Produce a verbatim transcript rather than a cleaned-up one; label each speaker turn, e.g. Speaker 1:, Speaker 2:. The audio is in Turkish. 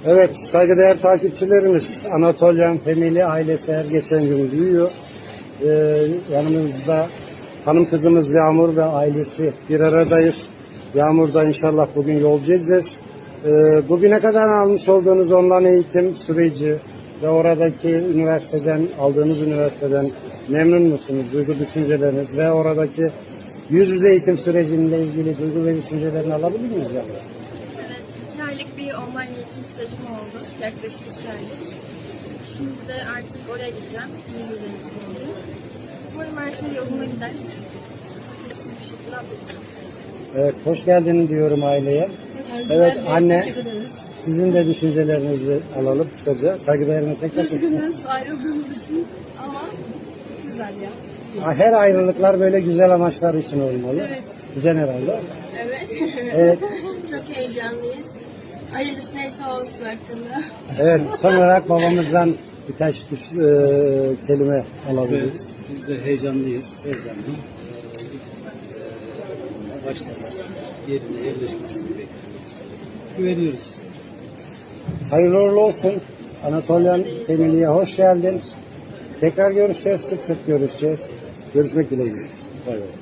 Speaker 1: Evet, saygıdeğer takipçilerimiz, Anatolian Family ailesi her geçen gün büyüyor. Ee, yanımızda hanım kızımız Yağmur ve ailesi bir aradayız. Yağmur'da inşallah bugün yolcu edeceğiz. Ee, bugüne kadar almış olduğunuz online eğitim süreci ve oradaki üniversiteden, aldığınız üniversiteden memnun musunuz? Duygu düşünceleriniz ve oradaki yüz yüze eğitim sürecinde ilgili duygu ve düşüncelerini alabilir miyiz? Yani?
Speaker 2: Evet, iki aylık bir online eğitim sürecim oldu. Yaklaşık iki aylık. Şimdi de artık oraya gideceğim. Yüz yüze eğitim olacak. Umarım her şey yoluna gider. Sıkıntısız bir şekilde atlatacağım süreci.
Speaker 1: Evet, hoş geldin diyorum aileye. Evet, anne, sizin de düşüncelerinizi alalım kısaca. Saygıdeğerine tekrar.
Speaker 3: Üzgünüz ayrıldığımız için ama güzel ya.
Speaker 1: Her ayrılıklar böyle güzel amaçlar için olmalı.
Speaker 3: Evet.
Speaker 1: Güzel herhalde.
Speaker 4: Evet.
Speaker 1: Evet.
Speaker 4: Çok heyecanlıyız. Hayırlısı neyse olsun hakkında.
Speaker 1: Evet, son olarak babamızdan birkaç düş, e, kelime alabiliriz.
Speaker 5: Evet, biz de heyecanlıyız. Heyecanlı. Ee, başlarız. Yerine yerleşmesini bekliyoruz. Güveniyoruz.
Speaker 1: Hayırlı uğurlu olsun. Anatolian Family'ye hoş geldin. Tekrar görüşeceğiz, sık sık görüşeceğiz. Görüşmek dileğiyle. Bay bay.